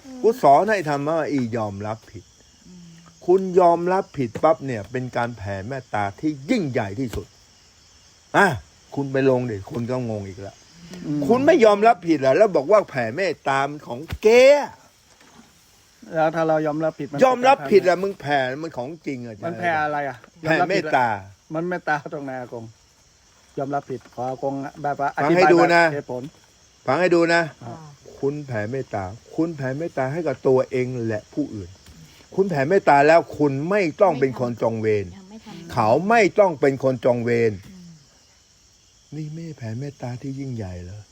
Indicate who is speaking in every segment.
Speaker 1: กูสอนให้ทำว่าอียอมรับผิด คุณยอมรับผิดปั๊บเนี่ยเป็นการแผ่เมตตาที่ยิ่งใหญ่ที่สุดคุณไปลงดิคนก็งงอีกแล้วคุณไม่ยอมรับผิดแล้วบอกว่าแผ่เมตตามันของเก๊
Speaker 2: แล้วถ้าเรายอมรับผิด
Speaker 1: ยอมรับผิดมึงแผ่มันของจริง
Speaker 2: มันแผ่อะไร
Speaker 1: แผ่เมตตา
Speaker 2: มันเมตตาตรงไหนอากงยอมรับผิดขออากงแบบว่า
Speaker 1: อธิบายนะ
Speaker 2: เหตุผล
Speaker 1: ฟังให้ดูนะคุณแผ่เมตตาคุณแผ่เมตตาให้กับตัวเองและผู้อื่นคุณแผ่เมตตาแล้วคุณไม่ต้องเป็นคนจองเวรเขาไม่ต้องเป็นคนจองเวรนี่ไม่แผ่เมตตาที่ยิ่งใหญ่เหรอ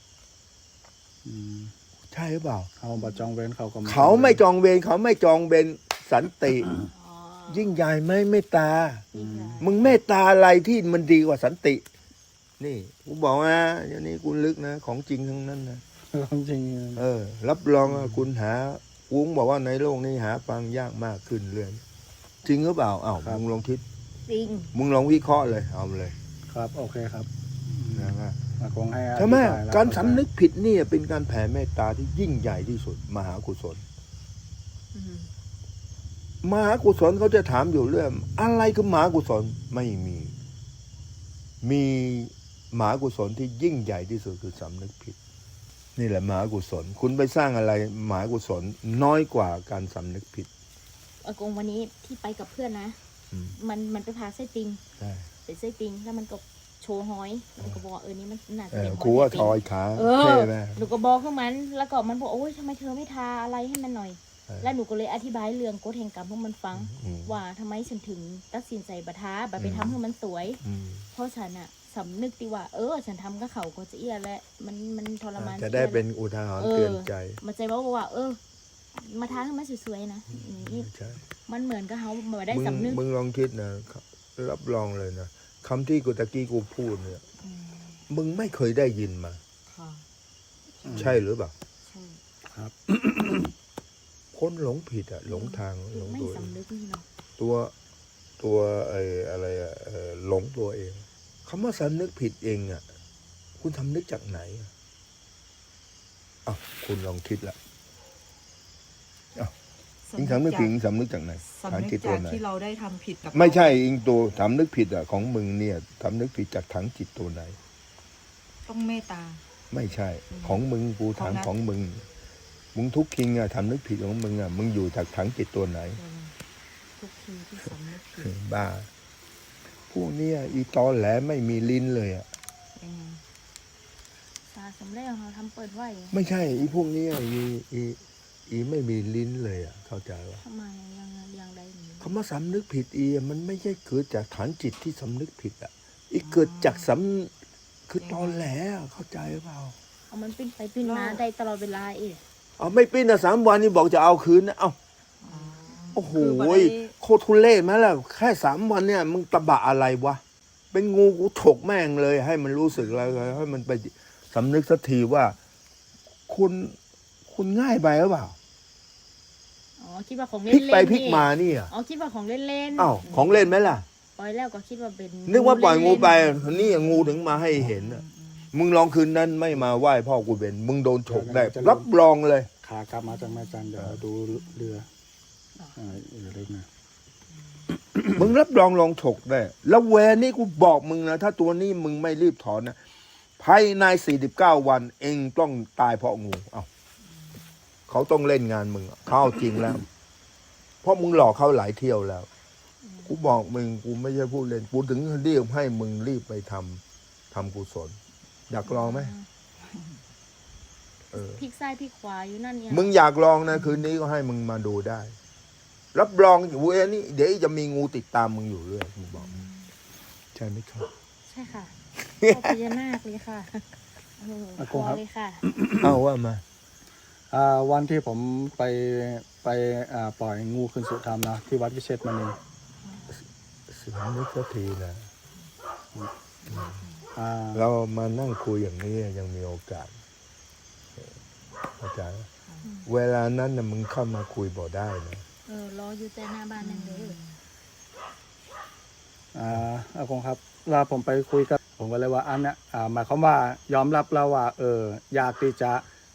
Speaker 1: ใช่หรือเปล่า
Speaker 2: เขาบจองเวร
Speaker 1: เขาไม่จองเวรเขาไม่จองเวรสันติยิ่งใหญ่ไหมเมตตามึงเมตตาอะไรที่มันดีกว่าสันตินี่กูบอกนะอย่างนี้กูลึกนะของจริงทั้งนั้นนะ
Speaker 2: ของจริง
Speaker 1: รับรองคุณหาวุ้งบอกว่าในโลกนี้หาฟังยากมากขึ้นเรื่อยจริงหรือเปล่ามึงลองคิด
Speaker 3: จริง
Speaker 1: มึงลองวิเคราะห์เลยเอาเลย
Speaker 2: ครับโอเคครับ
Speaker 1: นะครับ
Speaker 2: คงให้
Speaker 1: ใช่ไหมการสำนึกผิดนี่เป็นการแผ่เมตตาที่ยิ่งใหญ่ที่สุดมหากุศลมหากุศลเขาจะถามอยู่เรื่องอะไรคือมหากุศลไม่มีมหากุศลที่ยิ่งใหญ่ที่สุดคือสำนึกผิดนี่แหละมหากุศลคุณไปสร้างอะไรมหากุศลน้อยกว่าการสำนึกผิด
Speaker 3: อากงวันนี้ที่ไปกับเพื่อนนะมันไปพาไส้ติงเป็นไส้ติงแล้วมันก็โชว์หอยหนูก็บอกนี่มันน่าจะเป็นหอย
Speaker 1: ครูว่าทอยขา
Speaker 3: เท่ไหมหนูก็บอกขึ้นมันแล้วก็มันบอกโอ้ยทำไมเธอไม่ทาอะไรให้มันหน่อยแล้วหนูก็เลยอธิบายเรื่องกฎแห่งกรรมให้มันฟังว่าทำไมฉันถึงตัดสินใจบัท้าแบบไปทำให้มันสวยเพราะฉันอะสำนึกดีว่าฉันทำกับเขาก็จะเอี้ยแหละมันทรมาน
Speaker 1: จะได้เป็นอุทาหรณ์เตือนใจ
Speaker 3: มาใจว่ามาท้าให้มันสวยๆนะนี่มันเหมือนกับเขามาได้สำนึก
Speaker 1: มึงลองคิดนะรับรองเลยนะคำที่กูตะกี้กูพูดเนี่ยมึงไม่เคยได้ยินมาใช่หรือเปล่า
Speaker 3: ใช่
Speaker 2: ครับ
Speaker 1: คนหลงผิดหลงทางหลงตัวตัวอะไรหลงตัวเองคำว่าสำนึกผิดเองคุณทำนึกจากไหนคุณลองคิดละอิงสำนึกผิดสำนึกจากไหน
Speaker 4: สำนึกจากที่เราได้ทำผิดกับ
Speaker 1: ไม่ใช่อิงตัวสำนึกผิดของมึงเนี่ยสำนึกผิดจากถังจิตตัวไหน
Speaker 4: ต้องเมตตา
Speaker 1: ไม่ใช่ของมึงกูถามของมึงทุกคิงทำนึกผิดของมึงมึงอยู่จากถังจิตตัวไหน
Speaker 4: ทุกคิงที่สำนึกผิด
Speaker 1: บ้าพวกนี้อีตอแหลไม่มีลิ้นเลย
Speaker 3: สาสำเร็จเราทำเปิดไว้
Speaker 1: ไม่ใช่อีพวกนี้อีไม่มีลิ้นเลยเข้าใจว่า
Speaker 3: ทำไมยังได
Speaker 1: คำว่าสำนึกผิดมันไม่ใช่เกิดจากฐานจิตที่สำนึกผิดอีเกิดจากคือตอแหลเข้าใจหรือเปล่า
Speaker 3: มันปิ้นไปปิ้นมาได้ตลอดเวลา
Speaker 1: ไม่ปิ้น3 วันนี่บอกจะเอาคืนนะโอ้โหโคตรทุเรศไหมล่ะแค่3 วันเนี่ยมึงตะบะอะไรวะเป็นงูกูถกแม่งเลยให้มันรู้สึกอะไรให้มันไปสำนึกสักทีว่าคุณง่ายไปหรือเปล่า
Speaker 3: คิดว่าของเล่น
Speaker 1: พลิกไปพลิกมานี่
Speaker 3: คิดว่าของเล่น
Speaker 1: ของเล่นไหมล่ะ
Speaker 3: ปล่อยแล้วก็คิดว่าเป็น
Speaker 1: นึกว่าปล่อยงูไปนี่งูถึงมาให้เห็นมึงลองคืนนั้นไม่มาไหว้พ่อกูเบนมึงโดนฉกได้รับรองเลย
Speaker 2: ขากลับมาจากแม่จันเดี๋ยวดูเรือเล็กนะ
Speaker 1: มึงรับรองลองฉกได้แล้วแวร์นี่กูบอกมึงนะถ้าตัวนี้มึงไม่รีบถอนนะภายใน49 วันเองต้องตายเพราะงูเขาต้องเล่นงานมึงเขาจริงแล้วเพราะมึงหลอกเขาหลายเที่ยวแล้วกูบอกมึงกูไม่ใช่พูดเล่นกูถึงเรียกให้มึงรีบไปทำกุศลอยากลองไหม
Speaker 3: พลิกซ้ายพลิกขวาอยู่นั่นเนี่ย
Speaker 1: มึงอยากลองนะคืนนี้ก็ให้มึงมาดูได้รับรองอยู่นี่เดี๋ยวจะมีงูติดตามมึงอยู่เรื่อยมึงบอกใช่ไหมครับ
Speaker 3: ใช่ค่ะพญานาคเลยค่ะขอเลยค่ะ
Speaker 1: เอาว่ามา
Speaker 2: วันที่ผมไปปล่อยงูคืนสู่ธรรมนะที่วัดวิเชษมณี
Speaker 1: สิ่งนี้ก็ทีนะเรามานั่งคุยอย่างนี้ยังมีโอกาสอาจารย์เวลานั้นมึงเข้ามาคุยบ่ได้นะ
Speaker 3: รออยู่แต่หน้าบ้านนั่นเลย
Speaker 2: อากงครับเราผมไปคุยกับผมก็เลยว่าอันเนี้ยหมายความว่ายอมรับแล้วว่าอยากที่จะ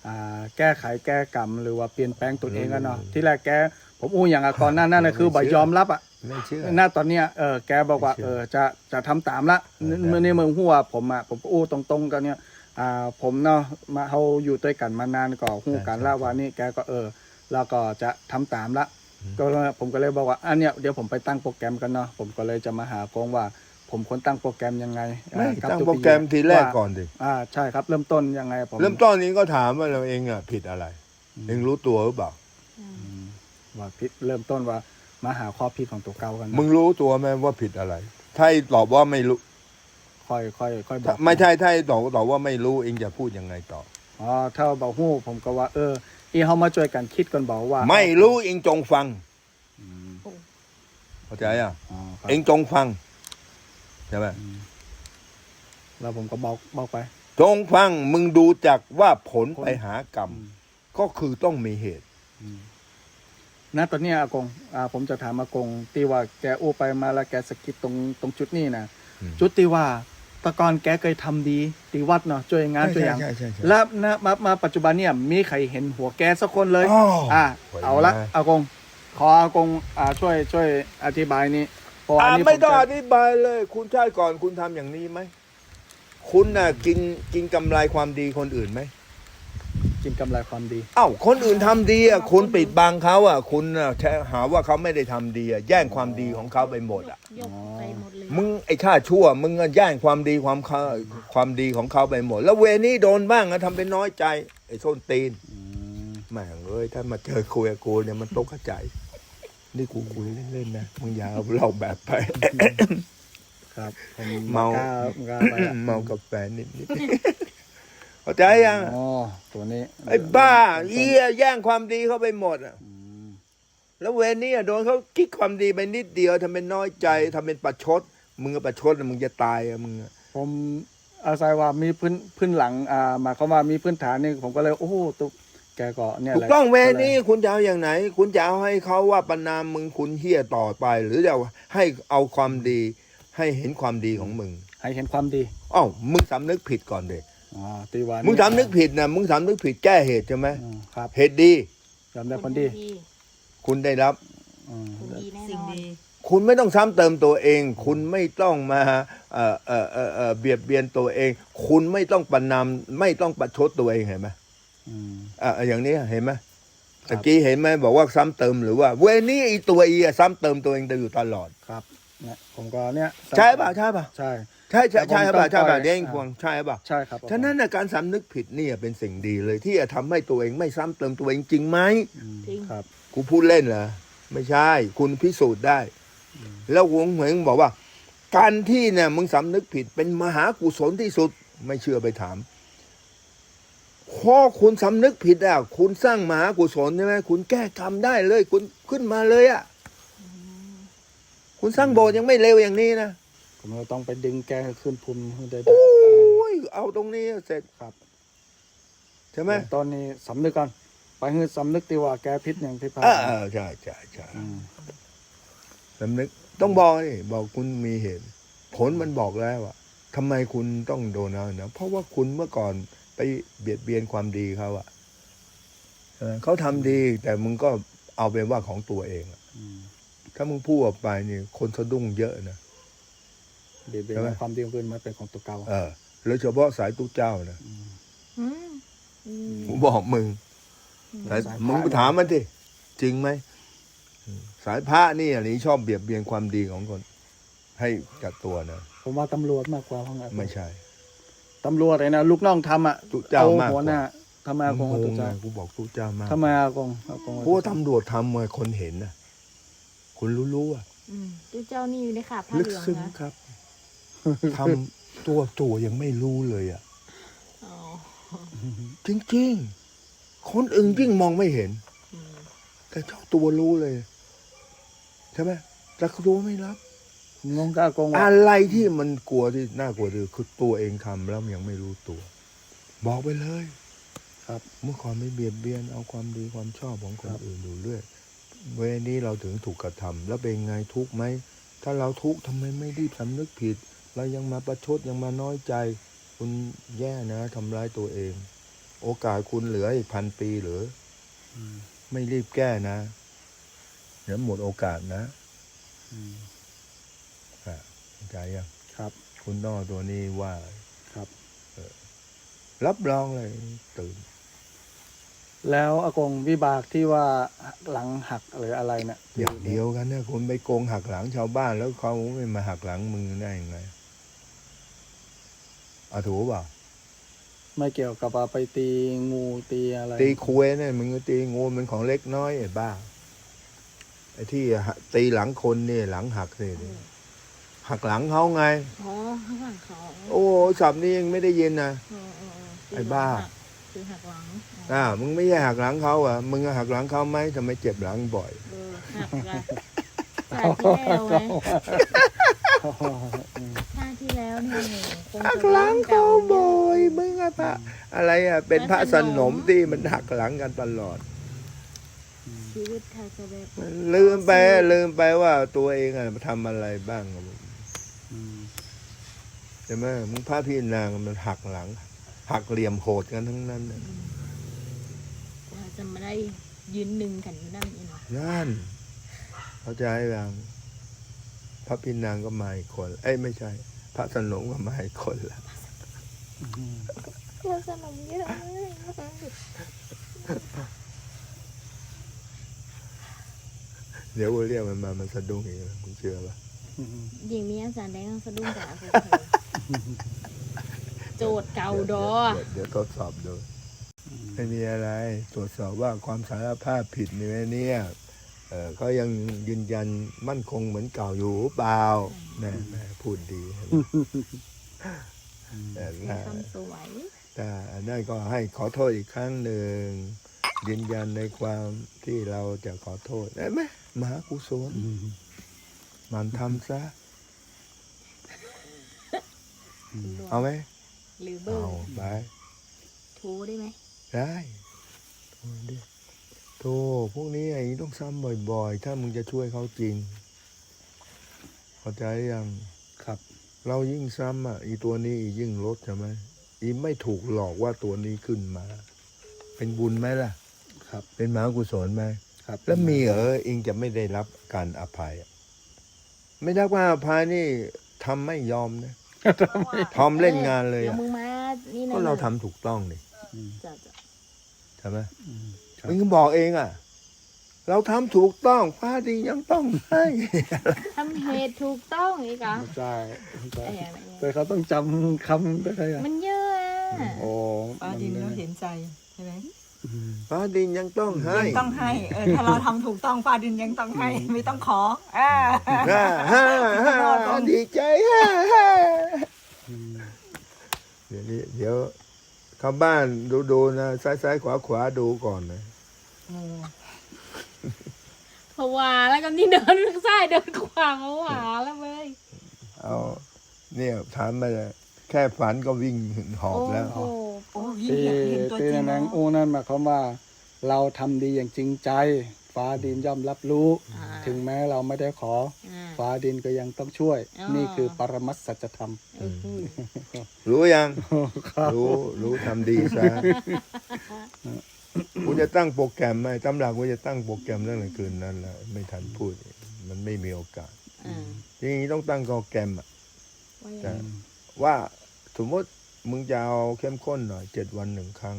Speaker 2: แก้ไขแก้กรรมหรือว่าเปลี่ยนแปลงตัวเองกันเนาะที่แรกแกผมอู้อย่างก่อนหน้านั้นนะคือบ่ยอมรับอ่ะ
Speaker 1: ไม่เชื่อ
Speaker 2: หน้าตอนเนี้ยแกบอกว่า
Speaker 1: ไม่เชื่อ
Speaker 2: จะทำตามละ
Speaker 1: ได้
Speaker 2: เมื่อในเมืองหัวผมก็อู้ตรงๆกันเนี่ยผมเนาะมาเขาอยู่ด้วยกันมานานก็หู้กันละว่านี่แกก็แล้วก็จะทำตามละก็ผมก็เลยบอกว่าอันเนี้ยเดี๋ยวผมไปตั้งโปรแกรมกันเนาะผมก็เลยจะมาหากงว่า ผมควรตั้งโปรแกรมยังไง
Speaker 1: ไม่
Speaker 2: กับ
Speaker 1: ตั้ง
Speaker 2: ตัว
Speaker 1: โปรแกรมทีแรกก่อนดิ
Speaker 2: ใช่ครับเริ่มต้นยังไงผม
Speaker 1: เริ่มต้นนี้ก็ถามว่าเราเองอ่ะผิดอะไร เองรู้ตัวหรือเปล่า
Speaker 2: ว่าผิดเริ่มต้นว่ามาหาข้อผิดของตัวเก่ากันนะ
Speaker 1: มึงรู้ตัวไหมว่าผิดอะไร ถ้าตอบว่าไม่รู้
Speaker 2: ค่อยบอก
Speaker 1: ไม่ใช่ถ้าตอบว่าไม่รู้เองจะพูดยังไงต่อ
Speaker 2: ถ้าบอกหู้ผมก็ว่าอีเขามาช่วยกันคิดกันบอกว่า
Speaker 1: ไม่รู้เองจงฟัง
Speaker 2: อืม
Speaker 1: เข้าใจอ่ะ
Speaker 2: ครับ
Speaker 1: เองจงฟังใช่ไหม
Speaker 2: แล้วผมก็บอกไป
Speaker 1: จงฟังมึงดูจากว่าผลไปหากรรม ก็คือต้องมีเหตุ
Speaker 2: ณตอนเนี้ยอากงผมจะถามอากงตีว่าแกอู้ไปมาแล้วแกสะกิดตรงจุดนี้นะ
Speaker 1: อืม
Speaker 2: จุดที่ว่าแตะกอนแกเคยทำดีตีวัดเนาะช่วยงานช่วยอย่าง
Speaker 1: ใช่
Speaker 2: แล้วมาปัจจุบันเนี่ยมีใครเห็นหัวแกสักคนเลย
Speaker 1: อ๋อ
Speaker 2: เอาละ
Speaker 1: ไว้นะ
Speaker 2: อากงขออากงช่วยอธิบายนี้เพราะอันนี้
Speaker 1: ไม่ต้อง
Speaker 2: ผ
Speaker 1: อ
Speaker 2: จะ
Speaker 1: ธิบายเลย คุณชาติก่อนคุณทำอย่างนี้ไหม คุณน่ะกินกำไรความดีคนอื่นไหม
Speaker 2: กินกำไรความดี
Speaker 1: เอ้าคนอื่นทำดีอ่ะคุณปิดบังเขาอ่ะคุณน่ะแค่หาว่าเขาไม่ได้ทำดีอ่ะแย่งความดีของเขาไปหมดอ่ะ
Speaker 3: ยกไปหมดเลย
Speaker 1: มึงไอ้ข้าชั่ว มึงอะแย่งความดีความดีของเขาไปหมด แล้วเวรนี้โดนบ้างอะทำเป็นน้อยใจ ไอ้ส้นตีนแม่งเอ้ยถ้ามาเจอคุยกับกูเนี่ยมันตกใจ นี่กูคุยเล่นๆนะมึงอย่าเอาเล่าแบบไป
Speaker 2: ครับผม
Speaker 1: เมา
Speaker 2: กล้าไปอะ
Speaker 1: เมากาแฟนิดๆเข้าใจยัง
Speaker 2: อ๋อตัวนี้
Speaker 1: ไอ้บ้าเอี้ยแย่งความดีเข้าไปหมดอ่ะ
Speaker 2: อืม
Speaker 1: แล้วเวรนี้อะโดนเขาคิดความดีไปนิดเดียวทำเป็นน้อยใจทำเป็นประชด มึงก็ประชดมึงจะตายอะมึงอะ
Speaker 2: ผมอาศัยว่ามีพื้นหลังหมายความว่ามีพื้นฐานนี่ผมก็เลยโอ้โหตุ๊กแกก็เนี่ย
Speaker 1: ถู
Speaker 2: แห
Speaker 1: ก
Speaker 2: ละ
Speaker 1: ต้องเวรนี้คุณจะเอาอย่างไหน คุณจะเอาให้เขาว่าประนามมึงคุณเฮี้ยต่อไป หรือจะให้เอาความดี ให้เห็นความดีของมึง
Speaker 2: ให้เห็นความดี
Speaker 1: อ้าวมึงสำนึกผิดก่อนเด็ก
Speaker 2: ตีวา
Speaker 1: มึงสำนึกผิดนะมึงสำนึกผิดแก้เหตุใช่ไหม
Speaker 2: ครับ
Speaker 1: เหตุดี
Speaker 2: ยอมได้คนดี
Speaker 1: คุณได้รับ
Speaker 2: อืม
Speaker 3: คนดีแน่น
Speaker 4: สิ่ง
Speaker 3: อน
Speaker 4: ดี
Speaker 1: คุณไม่ต้องซ้ำเติมตัวเอง คุณไม่ต้องมาเบียดเบียนตัวเอง คุณไม่ต้องประนามไม่ต้องประชดตัวเองเห็นไหม
Speaker 2: อืม
Speaker 1: อย่างนี้เห็นไหม
Speaker 2: ครับ
Speaker 1: ตะกี้เห็นไหมบอกว่าซ้ำเติมหรือว่าเวรนี้ไอตัวอีอะซ้ำเติมตัวเองอยู่ตลอด
Speaker 2: ครับเนี่ยผมก็เนี่ย
Speaker 1: ใช่ป่ะใช่ป่ะ
Speaker 2: ใช่
Speaker 1: ใช่ใช่ใช่
Speaker 2: แต่ผม
Speaker 1: ป่ะใช่
Speaker 2: ต้องปล่
Speaker 1: ป่ะ
Speaker 2: อย
Speaker 1: เด้งพวงใช่ป่ะ
Speaker 2: ใช่ครับ
Speaker 1: ฉะนั้นน่ะการสำนึกผิดเนี่ยเป็นสิ่งดีเลย ที่จะทำให้ตัวเองไม่ซ้ำเติมตัวเองจริงไหม
Speaker 2: อืม
Speaker 3: จริง
Speaker 2: ครับ
Speaker 1: กูพูดเล่นเหรอไม่ใช่ คุณพิสูจน์ได้ แล้ววงเหวงบอกว่า การที่เนี่ยมึงสำนึกผิดเป็นมหากุศลที่สุด ไม่เชื่อไปถามพอคุณสำนึกผิดอ่ะคุณสร้างมหากุศลใช่ไหมคุณแก้กรรมได้เลย คุณขึ้นมาเลยอ่ะคุณสร้างโบสถ์ยังไม่เร็วอย่างนี้นะ
Speaker 2: ผมก็ต้องไปดึงแกให้ขึ้นภูมิให้ได้
Speaker 1: โอ้ยเอาตรงนี้เสร็จ
Speaker 2: ครับ
Speaker 1: ใช่ไหม
Speaker 2: ตอนนี้สำนึกก่อนไปให้สำนึกตีว่าแกพิษอย่างพิพาท
Speaker 1: ใช่ใช่ใช่
Speaker 2: อืม
Speaker 1: สำนึกต้องบอกนี่บอกคุณมีเหตุ ผลมันบอกแล้วอะทำไมคุณต้องโดนเอานะเพราะว่าคุณเมื่อก่อนไปเบียดเบียนความดีเขาอะเขาทำดี แต่มึงก็เอาเป็นว่าของตัวเองอะ
Speaker 2: อืม
Speaker 1: ถ้ามึงพูดออกไปนี่คนสะดุ้งเยอะนะ
Speaker 2: เบียดเบีย
Speaker 1: ใช่ไหม
Speaker 2: นความดีของคนมาเป็นของตัวเก่า
Speaker 1: โดยเฉพาะสายตู้เจ้านะ
Speaker 3: อืมอืม
Speaker 1: ผมบอกมึงมึงไปถามมันสิจริงไหมสายพระนี่อันนี้ชอบเบียดเบียนความดีของคน ให้จัดตัวนะ
Speaker 2: ผมว่าตำรวจมากกว่าเพราะไง
Speaker 1: ไม่ใช่
Speaker 2: ตำรวจไอ้นะลูกน้องทำอ่ะ
Speaker 1: ตู้เจ้ามาก
Speaker 2: หัว
Speaker 1: ก
Speaker 2: หน้า
Speaker 1: ว่า
Speaker 2: ทำไมอากงเอา
Speaker 1: ง
Speaker 2: ตัว
Speaker 1: ง
Speaker 2: เจ้า
Speaker 1: นะกูบอกตู้เจ้ามาก
Speaker 2: ทำไมอากง
Speaker 1: เพราะว่าตำรวจทำมาคนเห็นนะคนรู้ๆอ่ะ
Speaker 3: อืมตู้เจ้านี่อยู่ในขาผ้า
Speaker 1: ลึก
Speaker 3: เหลือง
Speaker 1: ซึ้ง
Speaker 3: นะครับ
Speaker 1: ทำตัวยังไม่รู้เลยอ่ะ
Speaker 3: อ๋อ
Speaker 1: จริงๆ คนอื่นยิ่งมองไม่เห็น
Speaker 3: อืม
Speaker 1: แต่เจ้าตัวรู้เลย ใช่ไหมแต่ตัวไม่รับ
Speaker 2: งงกับอากงว่า
Speaker 1: อะไรที่มันกลัวที่น่ากลัวที่สุดคือตัวเองทำแล้วมันยังไม่รู้ตัว บอกไปเลย
Speaker 2: ครับ
Speaker 1: เมื่อก่อนไม่เบียดเบียนเอาความดีความชอบของคนอื่นอยู่เรื่อยเวรนี้เราถึงถูกกระทำแล้วเป็นไงทุกข์ไหมถ้าเราทุกข์ทำไมไม่รีบสำนึกผิด เรายังมาประชดยังมาน้อยใจ คุณแย่นะทำร้ายตัวเอง คโอกาสคุณเหลืออีก1,000 ปีหรือไม่รีบแก้นะเดี๋ยวหมดโอกาสนะเข้าใจยัง
Speaker 2: ครับ
Speaker 1: คุณต้องเอาตัวนี้ว่า
Speaker 2: ครับ
Speaker 1: รับรองเลยตื่น
Speaker 2: แล้วอากงวิบากที่ว่าหลังหักหรืออะไรเนี่ย
Speaker 1: อย่างเดียวกันนะคุณไปโกงหักหลังชาวบ้านแล้วเขาไม่มาหักหลังมึงได้ยังไงถูกเปล่า
Speaker 2: ไม่เกี่ยวกับว่าไปตีงูตีอะไร
Speaker 1: ตีคุยเนี่ยมึงก็ตีงูมันของเล็กน้อยไอ้บ้าไอ้ที่ตีหลังคนนี่หลังหักสิหักหลังเขาไง
Speaker 3: อ๋อข้างหลังเขา
Speaker 1: โอ้ศัพท์นี้ยังไม่ได้ยินนะ ไอ้บ้า
Speaker 3: คือหักหลัง
Speaker 1: มึงไม่ใช่หักหลังเขาอ่ะมึงหักหลังเขาไหมทำไมเจ็บหลังบ่อย
Speaker 3: หักละชาติที่แล้วไงชาติที่แล้วเนี่ยคง
Speaker 1: หัก
Speaker 3: จะ
Speaker 1: หลังเขาบ่
Speaker 3: อ
Speaker 1: อยมึงอะพระอะไรอ่ะเป็นพระสนมที่มันหักหลังกันตลอด
Speaker 3: ชีวิตไทยจะแบบ
Speaker 1: ลืมไปว่าตัวเองอะทำอะไรบ้างอะใช่ไหมมึงพระพี่นางมันหักหลัง หักเหลี่ยมโหดกันทั้งนั้นน่ะ
Speaker 3: เราจะไม่ได้ยืนหนึ่งกันอยู่นั่นนี่เนาะ
Speaker 1: นั่นเข้าใจยังพระพี่นางก็มาอีกคนไม่ใช่ พระสนมก็มาอีกคนละ
Speaker 3: เราสนมเยอะ
Speaker 1: เดี๋ยวกูเรียกมันมามันสะดุ้งอีกแล้วมึงเชื่อปะ
Speaker 3: ยิงมีอาจารย์แดงสะดุ้งจากโจทย์เก่าดอ
Speaker 1: เดี๋ยวทดสอบดูไม่มีอะไร ตรวจสอบว่าความสารภาพผิดนี่ไหมเนี่ยเขายังยืนยันมั่นคงเหมือนเก่าอยู่เปล่าแม่พูดดีแต่
Speaker 3: คำสวย
Speaker 1: แต่นั่นก็ให้ขอโทษอีกครั้งหนึ่งยืนยันในความที่เราจะขอโทษได้ไหมมหากุศลมันทำซะเอาไหม
Speaker 3: หรือเบอ
Speaker 1: เอา
Speaker 3: ร์
Speaker 1: ไป
Speaker 3: โทรได้ไหม
Speaker 1: ได้โทรดิโทรพวกนี้ไอ้ต้องซ้ำบ่อยๆ ถ้ามึงจะช่วยเขาจริงเข้าใจยัง
Speaker 2: ครับ
Speaker 1: เรายิ่งซ้ำอีตัวนี้ยิ่งลดใช่ไหมไม่ถูกหลอกว่าตัวนี้ขึ้นมา เป็นบุญไหมล่ะ
Speaker 2: ครับ
Speaker 1: เป็นมหากุศลไหม
Speaker 2: ครับ
Speaker 1: แล้วมีเองจะไม่ได้รับการอภัยไม่ได้ว่าอภัยนี่ทำไม่ยอมนะทอมเล่นงานเลย
Speaker 3: เดี๋ยวมึงมานี่นะ
Speaker 1: ก็เราทำถูกต้องนี่
Speaker 3: จะ
Speaker 1: ใช่ไหม
Speaker 2: ครับ
Speaker 1: มึงบอกเองเราทำถูกต้องฟ้าดินยังต้องให้
Speaker 3: ทำเหตุถูกต้องอีกเหรอ
Speaker 2: ใช่ใช่
Speaker 3: ไอ้อะไร
Speaker 2: แต่เขาต้องจำคำได้ไง
Speaker 3: มันเยอะอะ
Speaker 2: โอ้
Speaker 4: ป้าดินก็เห็นใจใช่ไหม
Speaker 1: ฟ้าดินยังต้องให้
Speaker 4: ยังต้องให้ถ้าเราทำถูกต้องป้าดินยังต้องให้ ไม่ต้องขอ
Speaker 1: ดีใจเดี๋ยวเข้าบ้านดูนะซ้ายขวาดูก่อนนะ
Speaker 3: ผวาแล้วก็นี่เดินซ้ายเดินขวาผวาแล้วเว้ย
Speaker 1: เอาเนี่ยถามมาเลยแค่ฝันก็วิ่งหอบแล้ว
Speaker 3: โอ้โห
Speaker 4: โอ้ยิ่ง
Speaker 2: ที่
Speaker 4: อยากเห็นตัว
Speaker 2: ที่
Speaker 4: จริง
Speaker 2: นางอู้นั่นหมายความว่า เราทำดีอย่างจริงใจ ฟ้าดินย่อมรับรู้ ถึงแม้เราไม่ได้ขอ ฟ้าดินก็ยังต้องช่วย นี่คือปรมัตถสัจธรรม
Speaker 1: รู้ยัง รู้ทำดีซะกูจะตั้งโปรแกรมไหมตำหลักกูจะตั้งโปรแกรมเรื่องอะไรคืนนั้นแหละไม่ทันพูด มันไม่มีโอกาสทีนี้ต้องตั้งโปรแกรมแต่ว่าสมมติมึงจะเอาเข้มข้นหน่อย7 วัน 1 ครั้ง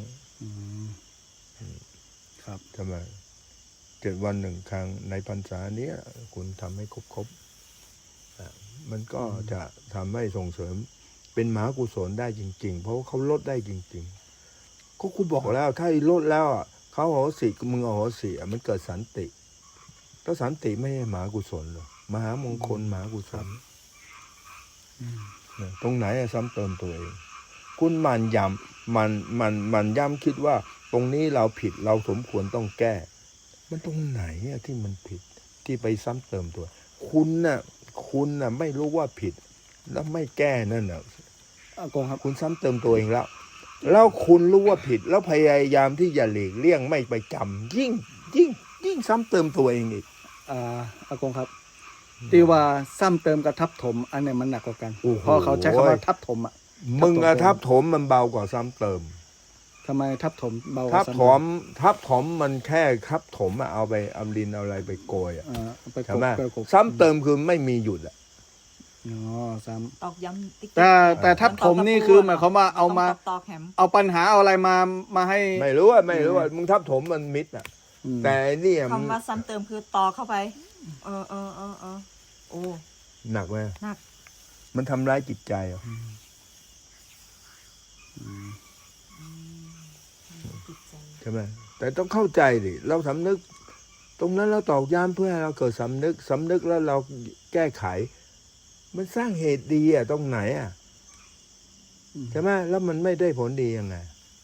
Speaker 2: ครับ
Speaker 1: ทำไม7 วัน 1 ครั้งในพรรษาเนี้ยคุณทำให้ครบมันก็จะทำให้ส่งเสริมเป็นมหากุศลได้จริง ๆ เพราะว่าเขาลดได้จริงๆก็กูบอกแล้วถ้าลดแล้วเขาโหสิมึงโหสิมันเกิดสันติถ้าสันติไม่ใช่มหากุศลหรอมหามงคลมหากุศลตรงไหนซ้ำเติมตัวเองคุณมันย้ำคิดว่าตรงนี้เราผิดเราสมควรต้องแก้มันตรงไหนที่มันผิดที่ไปซ้ำเติมตัว คุณน่ะไม่รู้ว่าผิดแล้วไม่แก้นั่นน่ะ
Speaker 2: อากงครับ
Speaker 1: คุณซ้ำเติมตัวเองแล้วคุณรู้ว่าผิดแล้วพยายามที่จะหลีกเลี่ยงไม่ไปจำยิ่งซ้ำเติมตัวเองอีก
Speaker 2: อากงครับที่ว่าซ้ำเติมกับทับถม อันเนี้ยมันหนักกว่ากัน
Speaker 1: โอ้โห
Speaker 2: เพราะเขาใช้คำว่าทับถม
Speaker 1: มึงทับถมมันเบากว่าซ้ำเติม
Speaker 2: ทำไมทับถมเบาก
Speaker 1: ทั
Speaker 2: ว่า
Speaker 1: บ
Speaker 2: ซ้ำ
Speaker 1: ถมทับถมมันแค่ทับถมอะเอาไปเอาดินเอาอะไรไปโกยอะ
Speaker 2: เอาไปก
Speaker 1: ใช่
Speaker 2: บ
Speaker 1: ไหม
Speaker 2: ไปกบ
Speaker 1: ซ้ำเติมคือไม่มีหยุดอะ
Speaker 2: อ๋อซ้
Speaker 4: ตอกย้ำติ๊ก
Speaker 2: ำแต่ทับถมนี่คือหมายความว่าเอามา
Speaker 4: ตอกแหม
Speaker 2: เอาปัญหาเอาอะไรมาให้
Speaker 1: ไม่รู้ว่ามึงทับถมมันมิดอะ
Speaker 2: อืม
Speaker 1: แต่ไอ้เนี่ยมัน
Speaker 4: คำว่าซ้ำเติมคือตอกเข้าไป เออโอ้
Speaker 1: หนักไหม
Speaker 4: หนัก
Speaker 1: มันทำร้ายจิตใจอะ
Speaker 3: จิตใจ
Speaker 1: ใช่ไหมแต่ต้องเข้าใจดิเราสำนึก ตรงนั้นเราตอกย้ำเพื่อให้เราเกิดสำนึกแล้วเราแก้ไข มันสร้างเหตุดีอะตรงไหนอะใช่ไหมแล้วมันไม่ได้ผลดียังไง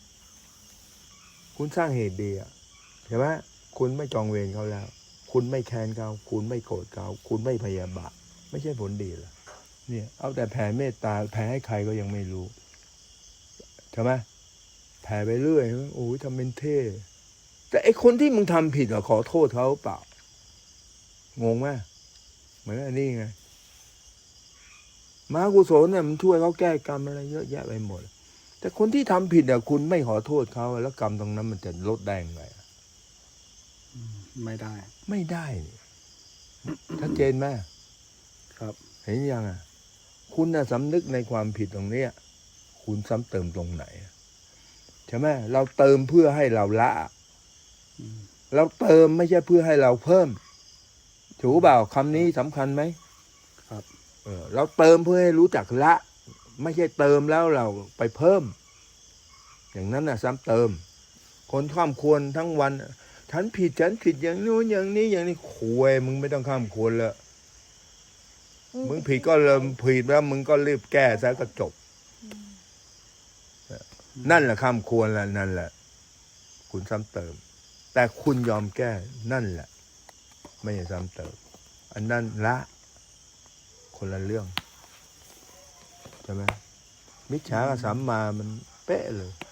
Speaker 1: คุณสร้างเหตุดีอะใช่ไหมคุณไม่จองเวรเขาแล้ว คุณไม่แค้นเขาคุณไม่โกรธเขาคุณไม่พยาบาทไม่ใช่ผลดีเหรอเนี่ย เอาแต่แผ่เมตตาแผ่ให้ใครก็ยังไม่รู้ใช่ไหมแผ่ไปเรื่อยโอ้ยทำเป็นเท่แต่ไอคนที่มึงทำผิดอะขอโทษเขาเปล่างงไหมเหมือนอันนี้ไงมหากุศลเนี่ยมันช่วยเขาแก้กรรมอะไรเยอะแยะไปหมด แต่คนที่ทำผิดอะคุณไม่ขอโทษเขาแล้วกรรมตรงนั้นมันจะลดได้ยังไงอะ
Speaker 2: ไม่ได้
Speaker 1: ไม่ได้นี่ชัดเจนไหม
Speaker 2: ครับ
Speaker 1: เห็นยังอะคุณน่ะสำนึกในความผิดตรงเนี้ย คุณซ้ำเติมตรงไหนอะใช่ไหมเราเติมเพื่อให้เราละ เราเติมไม่ใช่เพื่อให้เราเพิ่มถูกเปล่าคำนี้สำคัญไหม
Speaker 2: ครับ
Speaker 1: เราเติมเพื่อให้รู้จักละ ไม่ใช่เติมแล้วเราไปเพิ่ม อย่างนั้นน่ะซ้ำเติม คนข้ามควรทั้งวันฉันผิดอย่างนู้นอย่างนี้อย่างนี้คุยมึงไม่ต้องข้ามควรละมึงผิดก็เริ่มผิดแล้วมึงก็รีบแก้ซะก็จบ นั่นแหละข้ามควรละนั่นแหละ คุณซ้ำเติม แต่คุณยอมแก้นั่นแหละ ไม่ใช่ซ้ำเติม อันนั้นละคนละเรื่องใช่ไหมมิจฉากับสัมมามันเป๊ะเลย